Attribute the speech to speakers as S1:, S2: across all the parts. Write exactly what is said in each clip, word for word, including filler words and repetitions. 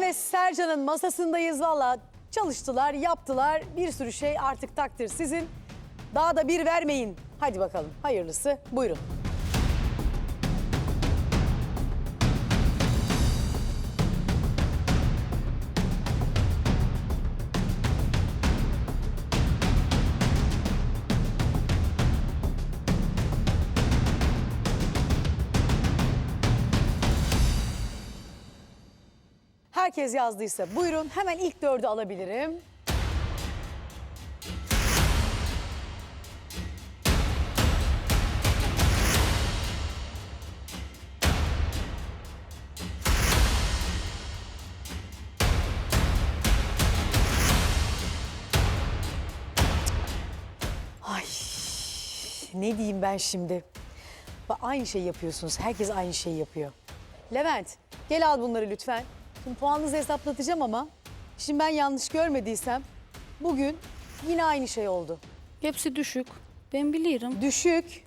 S1: ve Sercan'ın masasındayız. Valla çalıştılar, yaptılar. Bir sürü şey, artık takdir sizin. Daha da bir vermeyin. Hadi bakalım, hayırlısı. Buyurun. Herkes yazdıysa buyurun, hemen ilk dördü alabilirim. Ay, ne diyeyim ben şimdi? Bak, aynı şeyi yapıyorsunuz, herkes aynı şeyi yapıyor. Levent, gel al bunları lütfen. Şimdi puanınızı hesaplatacağım ama şimdi ben yanlış görmediysem bugün yine aynı şey oldu.
S2: Hepsi düşük. Ben biliyorum.
S1: Düşük.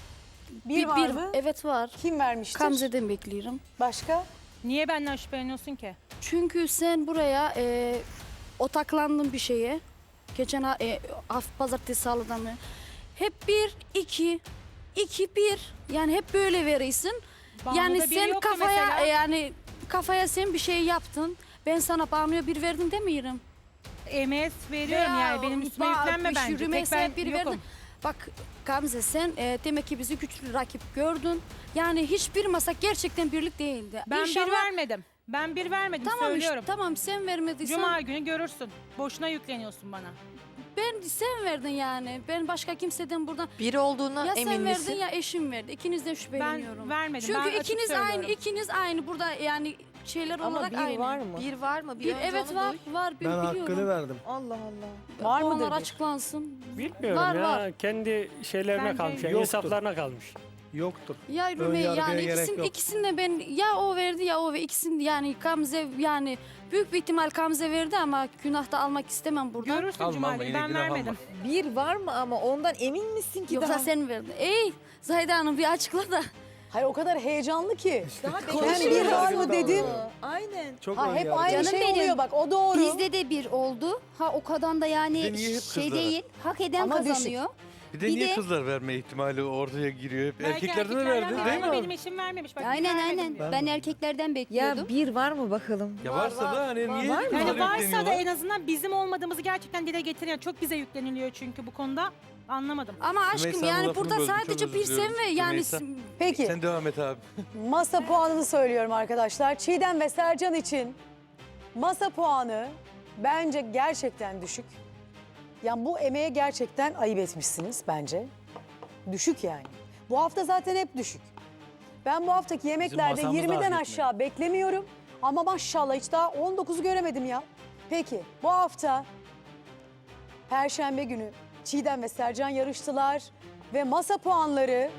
S1: Bir, var
S2: bir,
S1: mı?
S2: Evet var.
S1: Kim vermiştir?
S2: Gamze'den bekliyorum.
S1: Başka?
S3: Niye benden şüpheleniyorsun ki?
S2: Çünkü sen buraya e, odaklandın bir şeye. Geçen ha- e, hafta pazartesi salıdan mı? Hep bir, iki, iki, bir. Yani hep böyle verirsin.
S3: Banu'da
S2: Yani
S3: biri
S2: sen
S3: yoktu
S2: kafaya
S3: mesela.
S2: e, yani kafaya sen bir şey yaptın. Ben sana Banu'ya bir verdim demiyorum.
S3: Emeğe veriyorum
S2: Veya
S3: yani benim üstüme
S2: ba-
S3: yüklenme bence. Tek
S2: Rümeysa'ya
S3: ben
S2: bir
S3: yokum.
S2: verdin. Bak Gamze sen e, demek ki bizi güçlü rakip gördün. Yani hiçbir masa gerçekten birlik değildi.
S3: Ben
S2: İnşallah...
S3: bir vermedim. Ben bir vermedim
S2: Tamam
S3: söylüyorum.
S2: işte tamam sen vermediysen
S3: Cuma günü görürsün. Boşuna yükleniyorsun bana.
S2: ben sen verdin yani. Ben başka kimseden buradan
S4: Bir olduğuna
S2: ya
S4: emin
S2: sen verdin
S4: misin?
S2: ya eşim verdi. İkinizden şüpheleniyorum.
S3: Ben vermedim.
S2: Çünkü
S3: ben açık
S2: ikiniz
S3: söylüyorum.
S2: aynı ikiniz aynı burada yani şeyler
S4: Ama
S2: olarak
S4: bir
S2: aynı.
S4: var mı? Bir var mı? Bir,
S2: Bir,
S4: önce
S2: evet
S4: onu
S2: var
S4: duy.
S2: var bir
S5: Ben
S2: biliyorum.
S5: hakkını verdim.
S4: Allah Allah.
S1: Var
S2: Puanlar
S1: mıdır bir?
S2: açıklansın.
S6: Bilmiyorum
S2: Var,
S6: ya.
S2: var.
S6: Kendi şeylerine
S3: Bence
S6: kalmış. Yani
S5: yoktur.
S6: hesaplarına kalmış.
S5: Yoktur.
S2: Ya
S5: Ön
S2: Rümey
S5: yargıya
S2: yani
S5: gerek
S2: ikisini,
S5: yok.
S2: ikisini de ben ya o verdi ya o ve ikisini yani Gamze yani büyük bir ihtimal Gamze verdi ama günah da almak istemem buradan.
S3: Görürsün
S7: Alma,
S3: Cuma
S7: alma,
S3: günü.
S7: yine
S3: Ben
S7: günah alma.
S3: vermedim.
S4: Bir var mı ama ondan emin misin ki
S2: Yoksa
S4: daha?
S2: sen verdin. Ey Zahide Hanım bir açıkla da.
S1: Hayır, o kadar heyecanlı ki.
S4: Daha
S1: Ben bir var mı dedim.
S4: Aynen.
S5: Çok
S1: Ha,
S5: ön
S1: hep
S5: yargı.
S1: aynı
S8: Canım
S1: şey
S8: benim.
S1: oluyor bak, o doğru.
S8: Bizde de bir oldu. Ha o kadar da
S7: Bir de
S8: yani
S7: niye hep
S8: şey
S7: kızlara?
S8: değil. Hak eden
S1: Ama düşük.
S8: kazanıyor.
S7: Bir de
S8: Bir
S7: niye
S8: de-
S7: kızlar verme ihtimali ortaya giriyor? Hep
S3: Belki
S7: erkeklerde de
S3: erkeklerden
S7: verdi
S3: var
S7: değil
S3: ama
S7: mi?
S3: benim eşim vermemiş. Bak,
S8: Aynen
S3: vermedim
S8: aynen.
S3: diyor.
S8: Ben erkeklerden bekliyordum.
S4: Ya bir var mı bakalım?
S7: Ya varsa da hani niye
S4: var mı?
S7: kızlar
S3: Yani varsa da
S7: yükleniyorlar?
S3: en azından bizim olmadığımızı gerçekten dile getiriyor. Çok bize yükleniliyor çünkü bu konuda. Anlamadım.
S2: Ama aşkım
S7: Rümeysa'nın
S2: yani
S7: lafını
S2: burada
S7: böldüm,
S2: sadece
S7: çok
S2: bir
S7: özür
S2: sen
S7: diliyorum.
S2: ve yani
S7: Rümeysa.
S1: Peki,
S7: Sen devam et abi.
S1: masa puanını söylüyorum arkadaşlar. Çiğdem ve Sercan için masa puanı bence gerçekten düşük. Yani bu emeğe gerçekten ayıp etmişsiniz bence. Düşük yani. Bu hafta zaten hep düşük. Ben bu haftaki yemeklerde
S6: masamız da
S1: yirmiden
S6: hak etmedi.
S1: aşağı beklemiyorum. Ama maşallah hiç daha on dokuzu göremedim ya. Peki bu hafta Perşembe günü Çiğdem ve Sercan yarıştılar. Ve masa puanları...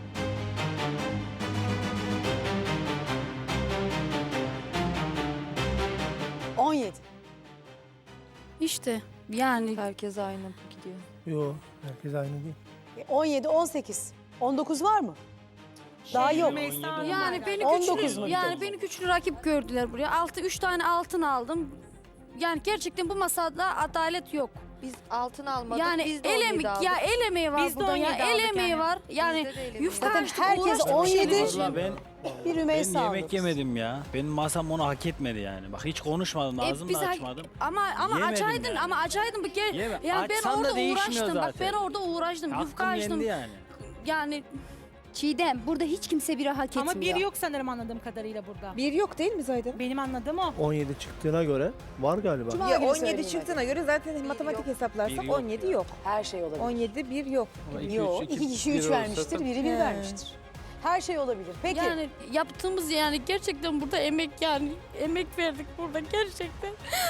S1: on yedi.
S2: işte yani
S4: Herkes aynı gidiyor.
S5: Yok, herkes aynı değil.
S1: on yedi, on sekiz. on dokuz var mı? Daha
S3: Şey,
S1: yok.
S3: Rümeysa Hanım
S2: yani
S3: var.
S2: beni
S1: on dokuz
S2: güçlü
S1: mu?
S2: yani beni güçlü rakip gördüler buraya. Altı üç tane altın aldım. Yani gerçekten bu masada adalet yok.
S4: Biz altın almadık.
S2: Yani
S4: biz de
S2: el
S4: on yedi
S2: emek
S4: aldık.
S2: ya el emeği var
S3: Biz de
S2: burada
S3: on
S2: ya.
S3: yedi
S2: El
S3: aldık
S2: emeği
S3: yani.
S2: var. Yani
S4: Bizde de el emeği
S2: yufka
S1: Zaten
S2: açtık,
S1: herkes
S2: uğraştık,
S1: on
S2: bir şey
S1: yedi.
S2: değil.
S6: Vallahi ben,
S1: Bir
S6: ben
S1: Rümeysa
S6: yemek
S1: aldı.
S6: yemedim ya. Benim masam onu hak etmedi yani. Bak hiç konuşmadım,
S2: E,
S6: ağzımı
S2: biz
S6: da
S2: ha-
S6: açmadım.
S2: Ama ama
S6: Yemedim
S2: açaydın
S6: yani.
S2: ama açaydın bir kere.
S6: Yeme-
S2: Yani ben
S6: Açsan da
S2: orada
S6: değişmiyor
S2: uğraştım. Bak
S6: zaten.
S2: ben orada uğraştım. Yufka
S6: Hakkım
S2: açtım.
S6: yendi yani.
S2: Yani
S8: Çiğdem burada hiç kimse biri hak etmiyor.
S3: Ama bir yok sanırım anladığım kadarıyla burada.
S4: Bir yok değil mi Zahide?
S3: Benim anladığım o.
S5: on yedi çıktığına göre var galiba.
S1: Cuma
S4: Ya
S1: günü
S4: on
S1: söyleyeyim
S4: yedi
S1: hadi.
S4: çıktığına göre zaten matematik
S6: yok.
S4: hesaplarsak
S6: Bir yok
S4: on yedi
S6: ya.
S4: yok.
S1: Her şey olabilir.
S4: on yedi bir yok.
S7: Ama iki,
S1: Yok,
S7: üç,
S1: iki kişi
S7: bir
S1: üç
S7: olsa
S1: vermiştir,
S7: tabii.
S1: biri bir
S4: He.
S1: vermiştir. Her şey olabilir. Peki,
S2: yani yaptığımız yani gerçekten burada emek yani emek verdik burada gerçekten.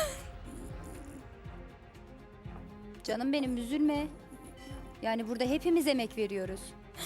S8: Canım benim üzülme. Yani burada hepimiz emek veriyoruz.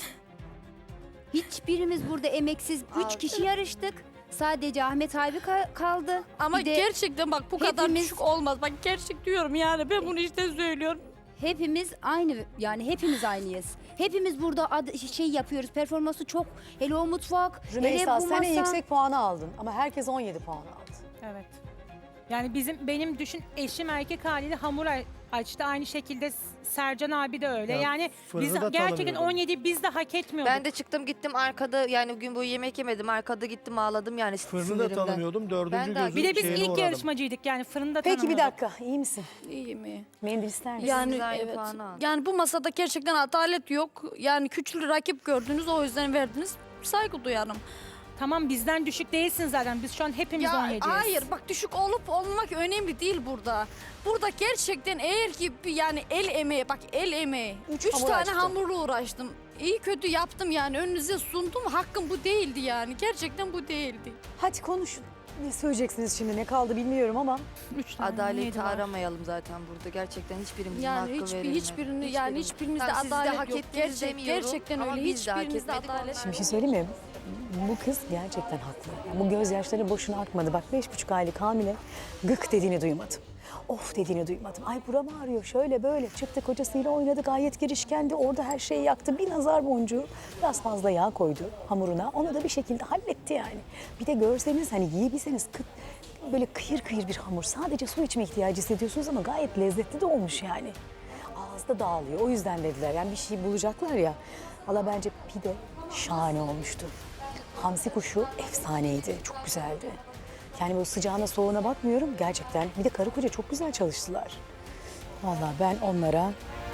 S8: Hiçbirimiz burada emeksiz. Üç kişi yarıştık. Sadece Ahmet abi ka- kaldı.
S2: Ama
S8: Bir de
S2: gerçekten bak bu kadar
S8: hepimiz-
S2: düşük olmaz. Bak gerçek diyorum yani ben bunu işte söylüyorum.
S8: hepimiz aynı yani hepimiz aynıyız. Hepimiz burada ad- şey yapıyoruz. Performansı çok. Hele o mutfak, hele
S1: Rümeysa
S8: bu
S1: sen en
S8: masa.
S1: yüksek puanı aldın ama herkes on yedi puan aldı.
S3: Evet. Yani bizim benim düşün eşim erkek haliyle hamur a- açtı. Aynı şekilde Sercan abi de öyle.
S5: Ya
S3: yani
S5: fırını
S3: biz
S5: da
S3: gerçekten
S5: tanımıyordum.
S3: on yedi biz de hak etmiyorduk.
S4: Ben de çıktım gittim arkada yani gün boyu yemek yemedim. Arkada gittim ağladım yani
S5: Fırını da
S4: sinirimden.
S5: tanımıyordum. Dördüncü
S4: Ben de-
S5: gözü
S3: bir de biz
S5: şeyine
S3: ilk
S5: uğradım.
S3: yarışmacıydık yani fırında
S1: Peki bir
S3: tanımıyorduk.
S1: dakika, iyi misin?
S2: İyi mi?
S1: Mendil ister misin?
S2: Yani
S4: Biz aynı
S2: evet.
S4: puanı aldık.
S2: Yani bu masada gerçekten adalet yok. Yani küçük rakip gördünüz, o yüzden verdiniz. Saygı duyarım.
S3: Tamam bizden düşük değilsin zaten. Biz şu an hepimiz on
S2: Ya
S3: yediyiz.
S2: hayır, bak düşük olup olmamak önemli değil burada. Burada gerçekten eğer ki bir yani el emeği, bak el emeği.
S1: Üç
S2: Üç,
S1: hamur
S2: tane
S1: açtı.
S2: hamurla uğraştım. İyi kötü yaptım yani, önünüze sundum. Hakkım bu değildi yani. Gerçekten bu değildi.
S1: Hadi konuşun. Ne söyleyeceksiniz şimdi? Ne kaldı bilmiyorum ama.
S3: Üç tane
S4: Adaleti
S3: neydi var?
S4: aramayalım zaten burada. Gerçekten hiçbirimizin
S2: Yani
S4: hakkı
S2: hiçbir,
S4: verilmedi.
S2: hiçbirini yani
S4: Hiçbirimiz.
S2: hiçbirinizde
S4: Tamam, siz de
S2: adalet
S4: hak
S2: yok.
S4: ettiniz
S2: Gerçek,
S4: demiyorum
S2: gerçekten
S4: ama
S2: öyle.
S4: biz de hak
S2: Hiçbirinizde
S4: etmedik,
S2: adalet
S1: Şimdi bir
S2: yok.
S1: şey söyleyeyim mi? Bu kız gerçekten haklı. Yani bu gözyaşları boşuna akmadı. Bak beş buçuk aylık hamile gık dediğini duymadım. Of dediğini duymadım. Ay buram ağrıyor şöyle böyle. Çıktı kocasıyla oynadı, gayet girişkendi. Orada her şeyi yaktı. Bir nazar boncuğu biraz fazla yağ koydu hamuruna. Onu da bir şekilde halletti yani. Bir de görseniz hani yiyebilseniz kıt, böyle kıyır kıyır bir hamur. Sadece su içme ihtiyacı hissediyorsunuz ama gayet lezzetli de olmuş yani. Ağızda dağılıyor. O yüzden dediler. Yani bir şey bulacaklar ya. Valla bence pide şahane olmuştu. Hamsi kuşu efsaneydi. Çok güzeldi. Yani bu sıcağına soğuğuna bakmıyorum gerçekten. Bir de karı koca çok güzel çalıştılar. Valla ben onlara...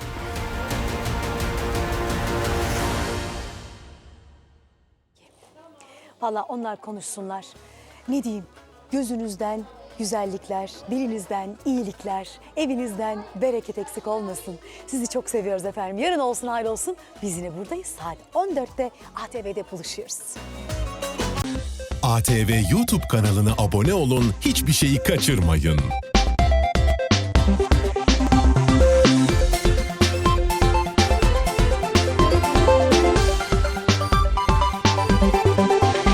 S1: Valla onlar konuşsunlar. Ne diyeyim? Gözünüzden güzellikler, dilinizden iyilikler, evinizden bereket eksik olmasın. Sizi çok seviyoruz efendim. Yarın olsun hayır olsun. Biz yine buradayız. Saat on dörtte A T V'de buluşuyoruz.
S9: A T V YouTube kanalına abone olun, hiçbir şeyi kaçırmayın.